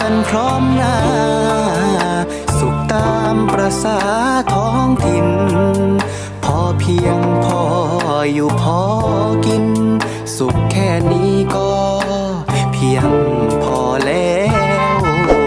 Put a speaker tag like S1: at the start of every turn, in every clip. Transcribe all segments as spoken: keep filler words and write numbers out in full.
S1: กันพร้อมหน้าสุขตามประสาท้องถิ่นพอเพียงพออยู่พอกินสุขแค่นี้ก็เพียงพอแล้ว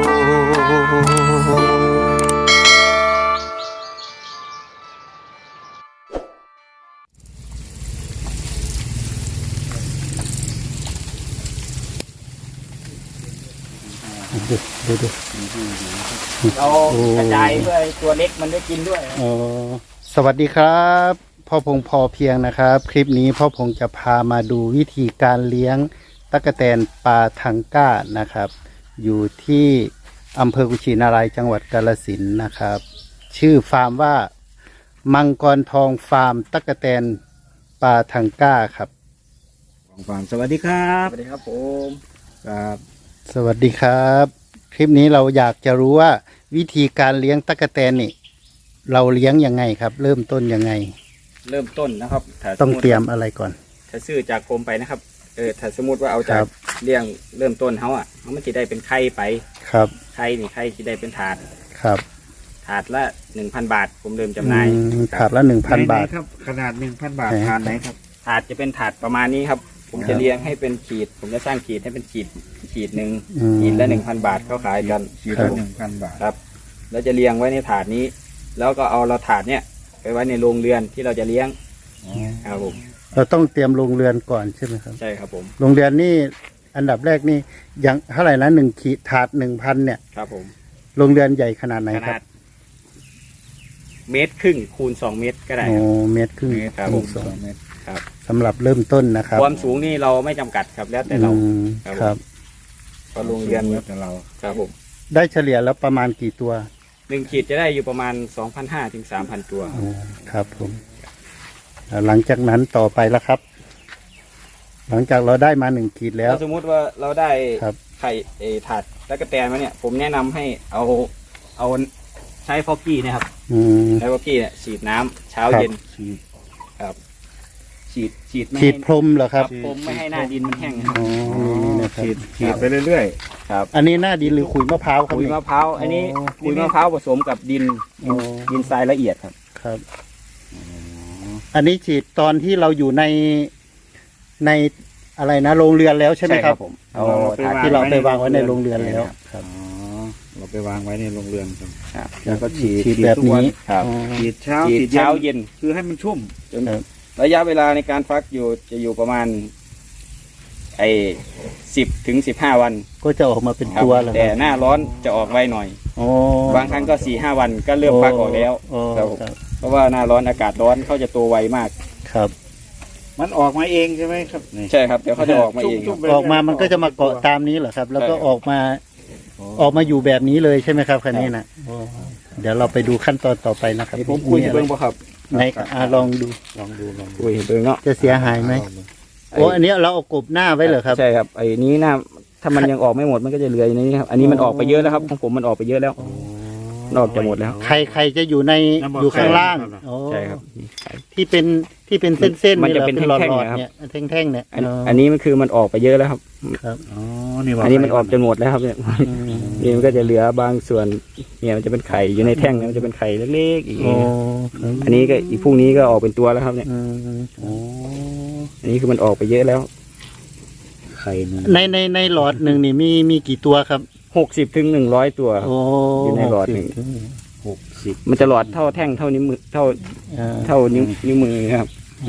S2: ดูดูดู
S3: เรากระจายเพื่อตัวเล็กมันได้กินด้วย
S2: อ๋อสวัสดีครับพ่อพงพอเพียงนะครับคลิปนี้พ่อพงจะพามาดูวิธีการเลี้ยงตั๊กแตนปลาทังก้านะครับอยู่ที่อำเภอกุชินารายจังหวัดกาฬสินธุ์นะครับชื่อฟาร์มว่ามังกรทองฟาร์มตั๊กแตนปลาทังก้าครับ
S4: ของฟาร์มสวัสดีครับ
S3: สวัสดีครับผม
S4: ครับ
S2: สวัสดีครับคลิปนี้เราอยากจะรู้ว่าวิธีการเลี้ยงตั๊กแตนนี่เราเลี้ยงยังไงครับเริ่มต้นยังไง
S3: เริ่มต้นนะครับ
S2: ต้องเตรียมอะไรก่อน
S3: ถ้าซื้อจากกรมไปนะครับเออถ้าสมมติว่าเอาจากเลี้ยงเริ่มต้นเขาอ่ะเขามันจะได้เป็นไข่ไป
S2: ครับ
S3: ไข่นี่ไข่ที่ได้เป็นถาด
S2: ครับ
S3: ถาดละหนึ่งพันบาทผมเริ่มจำหน่าย
S2: ถาดละหนึ่งพันบาท
S4: ครับขนาดหนึ่งพันบาทถาดไหนครับ
S3: ถาดจะเป็นถาดประมาณนี้ครับผมจะเลี้ยงให้เป็นขีดผมจะสร้างขีดให้เป็นขีดขีดหนึ่งขีดละหนึ่งพันบาทเขาขายกัน
S4: ขีดละหนึ่งพันบาท
S3: ครับแล้วจะเลี้ยงไว้ในถาดนี้แล้วก็เอาเราถาดเนี้ยไปไว้ในโรงเรือนที่เราจะเลี้ยงครับผม
S2: เราต้องเตรียมโรงเรือนก่อนใช่ไหมครับ
S3: ใช่ครับผม
S2: โรงเรือนนี่อันดับแรกนี่ยังเท่าไหร่นะหนึ่งขีดถาดหนึ่งพันเนี่ย
S3: ครับผม
S2: โรงเรือนใหญ่ขนาดไหนครับ
S3: เมตรครึ่งคูณสองเมตรก็ได้
S2: โอ้เมตรครึ่ง
S3: ครับผมสองเมตรครับ
S2: สำหรับเริ่มต้นนะครับ
S3: ความสูงนี่เราไม่จำกัดครับแล้วแต่เรา
S2: ครับ
S3: พอโรงเรือน
S4: แล้วแต่เรา
S3: ครับผม
S2: ได้เฉลี่ยแล้วประมาณกี่ตัว
S3: หนึ่งขีดจะได้อยู่ประมาณสองพันห้าถึงสามพันตัว
S2: ครับผมหลังจากนั้นต่อไปแล้วครับ หลังจากเราได้มาหนึ่งขีดแล้ว
S3: สมมุติว่าเราได้ไข่เอถาดแล้วก็แตนมาเนี่ยผมแนะนำให้เอาเอาใช้ฟอกกี้นะครับใช้ฟอกกี้เนี่ยฉีดน้ำเช้าเย็นครับฉีดฉีด
S2: ฉีดพรมเหรอครับ
S3: พรมไม่ให้หน้าดินมันแห้ง
S2: อ๋อ
S4: ฉีดฉีดไปเรื่อย
S3: ๆครับ
S2: อันนี้หน้าดินหรือขุยมะพร้าวครับ
S3: ขุยมะพร้าวอันนี้ขุยมะพร้าวผสมกับดินดินทรายละเอียดครับ
S2: ครับอันนี้ฉีดตอนที่เราอยู่ในในอะไรนะโรงเรือนแล้วใช่ไหมครับผม
S3: เอา
S2: ที่เราไปวางไว้ในโรงเรือนแล้วครับ
S4: เราไปวางไว้ในโรงเรือน
S3: ครับ
S2: แล้วก็ฉีดฉีดแบบนี้
S3: ครับ
S4: ฉีดเช้า
S3: ฉีดเช้าเย็น
S4: คือให้มันชุ่ม
S3: จนระยะเวลาในการฟักอยู่จะอยู่ประมาณไอ้สิบถึงสิบห้าวัน
S2: ก็จะออกมาเป็นตัวแล้ว
S3: แต่หน้าร้อนจะออกไวหน่อยบางครั้งก็สี่ห้าวันก็เริ่มฟักออกแล้วเพราะว่าหน้าร้อนอากาศร้อนเขาจะตัวไวมาก
S2: ครับ
S4: มันออกมาเองใช่ไหมครับ
S3: ใช่ครับเดี๋ยวเขาจะออกมาเอง
S2: ออกมามันก็จะมาเกาะตามนี้เหรอครับแล้วก็ออกมาออกมาอยู่แบบนี้เลยใช่ไหมครับคันนี้นะเดี๋ยวเราไปดูขั้นตอนต่อไปนะครับ
S3: ผมคุยเบิ้งป่ะครับ
S2: ไหนลองดู
S4: ลองดูลอง
S3: คุยเบิ้งเนาะ
S2: จะเสียหายไหมโอ้อันนี้เราเอากบหน้าไว้เหรอครับ
S3: ใช่ครับไอ้นี้หน้าถ้ามันยังออกไม่หมดมันก็จะเหลืออย่างนี้ครับอันนี้มันออกไปเยอะแล้วครับของผมมันออกไปเยอะแล้วนอกจะหมดแล้ว
S2: ใครใครจะอยู่ในอยู่ข้างล่าง
S3: ใช่ครับ
S2: ที่เป็นที่เป็นเส้นๆ
S3: มันจะเป็นแท่งๆ
S2: เนี่ยแท่งๆเนี่ย
S3: อันนี้มันคือมันออกไปเยอะแล้วครับ
S2: ครับ
S4: อ๋อนี่
S3: อันนี้มันออกจนหมดแล้วครับเนี่ยนี่มันก็จะเหลือบางส่วนเนี่ยมันจะเป็นไข่อยู่ในแท่งมันจะเป็นไข่เล็กๆอีกอันนี้ก็อีกพรุ่งนี้ก็ออกเป็นตัวแล้วครับเนี่ยอันนี้คือมันออกไปเยอะแล้ว
S4: ไข่
S2: ในในในหลอดหนึ่งนี่มีมีกี่ตัวครับ
S3: หกสิบถึงหนึ่งร้อยตัวอยู่ในหลอดหนึ่ง
S4: หกสิบ
S3: มันจะหลอดเท่าแท่งเท่านิ้วมือเท่าเท่านิ้วนิ้วมือครับ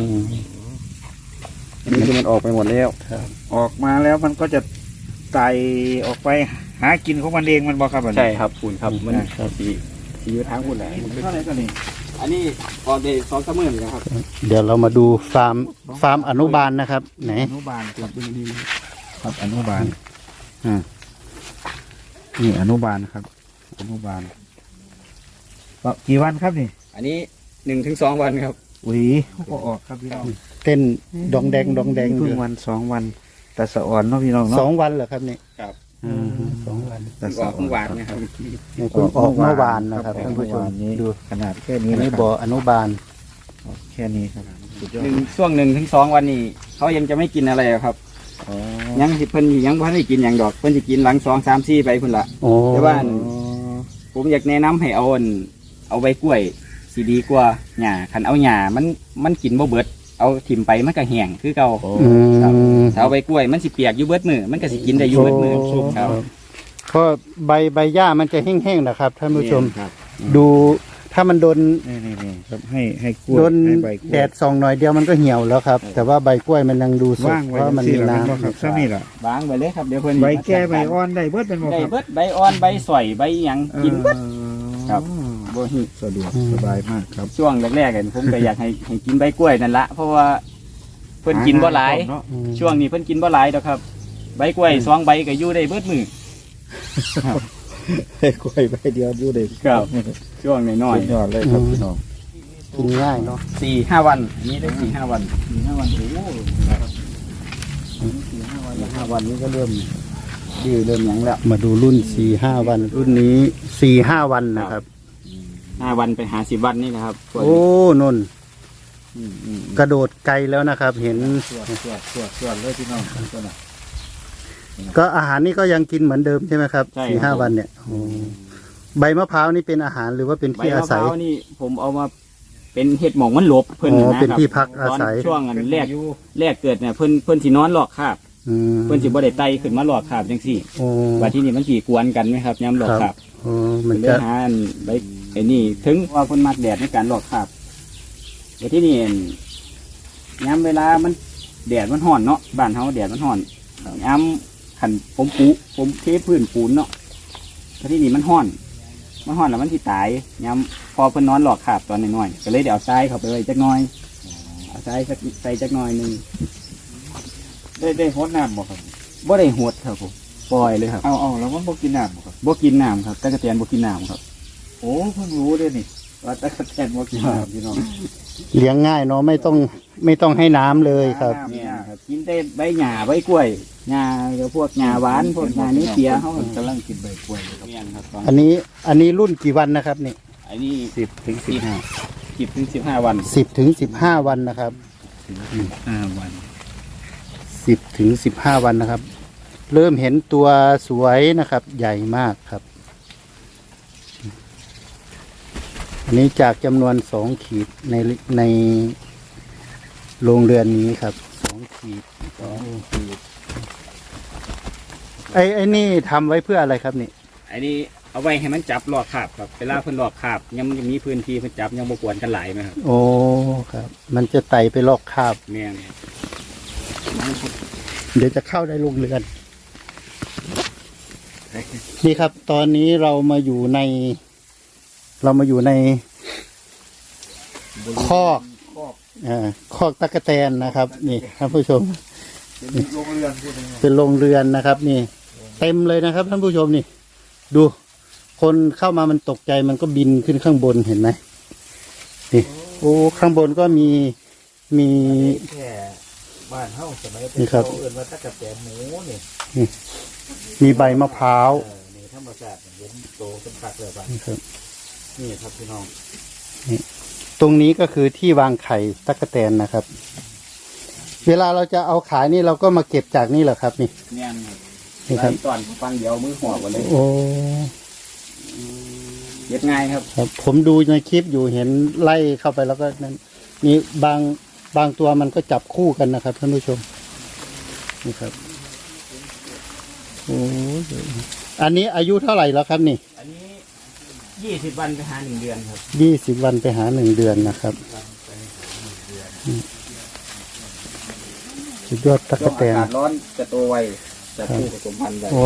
S3: อันนี้คือมันออกไปหมดแล้ว
S4: ออกมาแล้วมันก็จะไต่ออกไปหากินของมันเองมันบอกครับ
S3: ใช่ครับคุณครับมันสีสีอยู่ทางคุณแหละ
S4: เท่าไหร่ก็นี่
S3: อันนี้ออกเดย์สองสามหมื่นนะครับ
S2: เดี๋ยวเรามาดูฟาร์มฟาร์มอนุบาลนะครับไหน
S4: อนุบาลครับครับอนุบาลอ่านี่อนุบาลครับอนุบาลกี่วันครับนี่
S3: อันนี้หนึ่งถึงสองวันครับ
S4: อุ้ยก็ออกครับพี่น้อง
S2: เต้นดองแดงดองแดง
S4: เพิ่งวันสองวันแต่สะอ่อนเนาะพี่น้องเนาะ
S2: สองวันเหรอครับนี่
S3: ครับ
S2: สองวัน
S3: แต่ออกเมื่อวานนะครับ
S2: ออกเมื่อวานนะครับท่านผู้ชม
S4: ดูขนาดแค่นี้
S2: นี่บ่ออนุบาล
S4: แค่นี้ครับ
S3: หนึ่งช่วงหนึ่งถึงสองวันนี้เขายังจะไม่กินอะไรครับ
S4: อ๋อ
S3: ยังสิเพิ่นยังบ่ทันได้กินหยังดอกเพิ่นสิกินหลังสองสามสี่ไปพุ่นละ
S2: โอ้
S3: แต่ว่า
S4: อ๋อ
S3: ผมอยากแนะนำให้เอาอันเอาใบกล้วยสิดีกว่าหญ้าคันเอาหญ้ามันมันกินบ่เบิดเอาถิ่มไปมันก็แห้งคือเก่า
S4: โอ้
S2: อืม
S3: ถ้าเอาใบกล้วยมันสิเปียกอยู่เบิดมือมันก็สิกินได้อยู่เบิดมือ
S2: โอ้
S3: ครับ
S2: เพราะใบใบหญ้ามันจะแห้งๆนะครับท่านผู้ชม
S3: ครับ
S2: ดูถ้ามันโดน
S4: นี่นี่นี่ครับให้ให้กล้วย
S2: โดน
S4: ให้ใบกล้วย
S2: แดดส่องหน่อยเดียวมันก็เหี่ยวแล้วครับ แต่ว่าใบกล้วยมันยังดูสด
S4: ว่าง
S2: เพ
S4: ไว้
S2: ราะมัน
S4: สิ
S2: มี
S4: ล่ะ
S2: น้
S4: แม่นบ่ครับซ้ำนี่ล่ะ
S3: วางไปเลยครับเดี๋ยวเพิ่น
S4: ใบแก่ใบอ่อนได้เบิดเป็นบ่
S3: ได้
S4: ครับ
S3: เบิดใบอ่อนใบสวยใบหยังกินเบิด ครับ บ่หิ
S4: สะดวกสบายมากครับ
S3: ช่วงแรกๆกันผมก็อยากให้ให้กินใบกล้วยนั่นละเพราะว่าเพิ่นกินบ่หลาย
S4: เนาะ
S2: ำอืม
S3: ช่วงนี้เพิ่นกินบ่หลายดอกครับ ใบกล้วยสองใบก็อยู่ได้เบิดมือ
S4: ให้กล้วยใบเดียวอยู่ได้
S3: ครับช่วงน้อย
S4: สุดยอดเลยครับพี่น้อง
S2: กินง่ายเนาะ
S3: ๆสี่ห้าวันอันนี้ได้สี่ห้าวันสี่ห้าวันโอ้โหสี่ห้าวันห้าวันนี้ก็เริ่มดื้อเริ่มหยังแล้ว
S2: มาดูรุ่นสี่ห้าวัน รุ่นนี้สี่ห้าวันนะครับ
S3: ห้าวันไปหาสิบวันนี่นะครับพวก
S2: โอ้นน
S3: อืมอืม
S2: กระโดดไกลแล้วนะครับ เห็น
S4: สวดสวดสวดสวดเลยพี่น้องตัวน่ะ
S2: ก็อาหารนี่ก็ยังกินเหมือนเดิมใช่ไหมครับสี่ห้าวันเนี่ยโอ้ใบมะพร้าวนี่เป็นอาหารหรือว่าเป็น
S3: ใบ
S2: ที่อาม
S3: ะพ
S2: ศัย
S3: ร้าวนี่ผมเอามาเป็นเห็ดหมองมันหลบเพิ่น
S2: อ๋อ
S3: นะ
S2: เป็น
S3: ครับ
S2: ที่พักอาศัย
S3: ตนช่วงอันแรกแรกเกิดเนี่ยเพิ่นเพิ่นสินอนหลอกคาบ
S2: อืม
S3: เพิ่นสิบ่ได้ไต่ขึ้นมาหลอกคาบจังซี่
S2: โอ้
S3: ว่าที่นี่มันสิกวนกันไหมครับย้ำหลอกคาบ
S2: โอ้มัน
S3: เล
S2: จะ
S3: ยหาอันใบไอ้นี่ถึงว่าเพิ่นมักแดดในการหลอกคาบว่าที่นี่ย้ำเวลามันแดดมันห่อนเนาะบ้านเฮาแดดมันห่อนย้ำขันผมปูผมเทพื้นปูนเนาะว่าที่นี่มันห่อน มันห่อนแล้วมันที่ตายย้ำพอเพิ่นนอนหลอกคาบตอนน้อยๆก็เลยเดี๋ยวเอาทรายเข้าไปไว้จักหน่อยเอาทรายสักใส่จักหน่อยหนึง
S4: ได้ได้ฮดน้ำบ่ครับ
S3: บ่ได้หดครับผมปล่อยเลยครับ
S4: เอาเอาแล้วมันบ่กินน้ำบ่ครับ
S3: บ่กินน้ำครับตะกะแตนบ่กินน้ำครับ
S4: โอ้เพิ่งรู้เด้อนี่ว่าตะกะแตนบ่กินน้ำพี่น้อง
S2: เลี้ยงง่ายเนาะไม่ต้องไม่ต้องให้น้ำเลยครับ
S3: เนี่ยครับกินได้ใบหญ้าใบกล้วยหญ้าเดี๋ยวพวกหญ้าหวานพวกหญ้านี้เปียเขา
S4: พิ่นกำลังกินใบกล้วยเลยครับ
S3: เนี่ยนะครับตอน
S2: อันนี้อันนี้รุ่นกี่วันนะครับนี่
S3: อันนี้
S4: สิบถึงสิบห้า
S3: สิบถึงสิบห้าวัน
S2: สิบถึงสิบห้าวันนะครับ
S4: ห้าวัน
S2: สิบถึงสิบห้าวันนะครับ เริ่มเห็นตัวสวยนะครับ ใหญ่มากครับ อันนี้จากจำนวนสองขีดในในโรงเรือนนี้ครับสองขีดสองขีดไอ้ไอ้นี่ทำไว้เพื่ออะไรครับนี่
S3: อันนี้เอาไว้ให้มันจับหลอกคาบครับเวลาเพิ่นหลอกคาบยังยังมีพื้นที่เพิ่นจับยังบ่กวนกันหลายไหมครับ
S2: โอ้ครับ มันจะไต่ไปลอกคราบ
S3: แม่น
S2: เดี๋ยวจะเข้าได้โรงเรือน นี่ครับ ตอนนี้เรามาอยู่ใน เรามาอยู่ในคอกอ่าคอกตะกแตนนะครับ นี่ท่านผู้ชม
S4: เป็นโรงเรือนพูดง่าย
S2: เป็นโรงเรือนนะครับ นี่ เต็มเลยนะครับท่านผู้ชมนี่ ดู คนเข้ามามันตกใจมันก็บินขึ้นข้างบนเห็นไหมนี่โอ้ข้างบนก็มีมี
S4: แค่บ้านเฮาสมัยเป็
S2: นี่
S4: น
S2: ครับ
S4: เขาเอิ้นว่าตะกะแตนหมูนี่
S2: มีใบมะพร้าว
S4: เออนี่ธรรมชาติเห็นโตเป็นคักเลยบ้าน
S2: นี่ครับ
S4: นี่ครับพี่น้อง
S2: ตรงนี้ก็คือที่วางไข่ตั๊กแตนนะครับ เวลาเราจะเอาขายนี่เราก็มาเก็บจากนี่แหละครับ นี่
S3: แม่นครับ
S2: นี่ครับ
S3: ไล่ตอนฟังเดียวมือหัวกันเลย
S2: โอ้
S3: เย็ดง่ายครับ
S2: ครับ ผมดูในคลิปอยู่เห็นไล่เข้าไปแล้วก็นั้นนี่บางบางตัวมันก็จับคู่กันนะครับท่านผู้ชมนี่ครับโอ้ยอันนี้อายุเท่าไหร่แล้วครับนี่
S3: อันนี้ยี่สิบวันไปหาหนึ่งเดือนครับ
S2: ยี่สิบวันไปหาหนึ่งเดือนนะครับสุดยอดตั๊ก
S3: ช่วง
S2: แต
S3: อาน กาศร้อนจะโตไวจะคู่ผสมพันธุ์ไว
S2: โอ้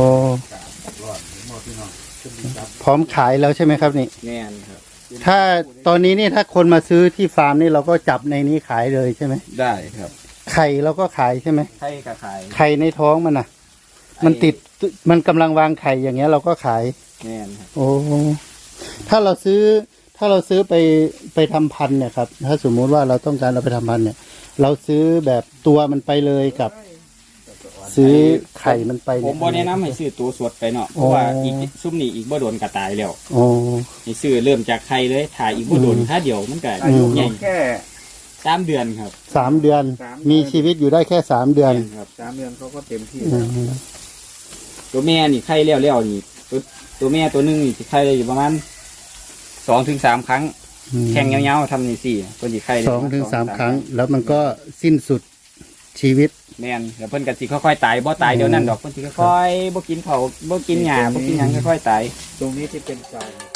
S2: พร้อมขายแล้วใช่ไหมครับนี่
S3: แน่นครับ
S2: ถ้าตอนนี้นี่ถ้าคนมาซื้อที่ฟาร์มนี่เราก็จับในนี้ขายเลยใช่ไหม
S3: ได้ครับ
S2: ไข่เราก็ขายใช่ไหม
S3: ไข่กระขาย
S2: ไข่ในท้องมันน่ะ มันติดมันกำลังวางไข่อย่างเงี้ยเราก็ขาย
S3: แน่นครับ
S2: โอ้ถ้าเราซื้อถ้าเราซื้อไปไปทำพันธุ์เนี่ยครับ ถ้าสมมุติว่าเราต้องการเราไปทำพันธุ์เนี่ย เราซื้อแบบตัวมันไปเลยกับ ซื้อไข่มันไป
S3: ผ
S2: เนี่ย
S3: มบ่แนะนำให้ซื้อตัวสดไปเนาะเพ
S2: โอ้
S3: ราะว่าอีกซุ่มนี่อีกบ่โดนกระตายแล้ว
S2: โอ้
S3: ให้ซื้อเริ่มจากไข่เลยถ่ายอีกบ่โดน
S2: อืม
S3: ถ้าเดียวมันก็
S4: อายุ
S3: ใหญ่
S4: แค่
S3: สามเดือนครับ
S2: สามเดือน
S4: สามเดือน
S2: มีชีวิตอยู่ได้แค่สามเดือน
S3: ครับ
S4: สามเดือนเขาก็เต็มที่
S2: อื
S4: แล้ว
S2: ม
S3: ตัวแม่นี่ไข่เลี้ยวเลี้ยวนี่ตัวตัวแม่ตัวหนึงนี่สิไข่ได้อยู่ประมาณสองถึงสามครั้ง แข่งยาวๆทำนี่สี่คนสิไข่ได้
S2: สองถึง
S3: ประณ
S2: สามครั้ง แล้วมันก็สิ้นสุดชีวิต
S3: แม่นแล้วเพิ่นก็สิค่อยๆตายบ่ตายเดี๋ยวนั้นดอกเพิ่นสิค่อยๆบ่กินเผาวบ่กินหญ้าบ่กินหยังค่อยๆตาย
S4: ตรงนี้ที่เป็นเก่า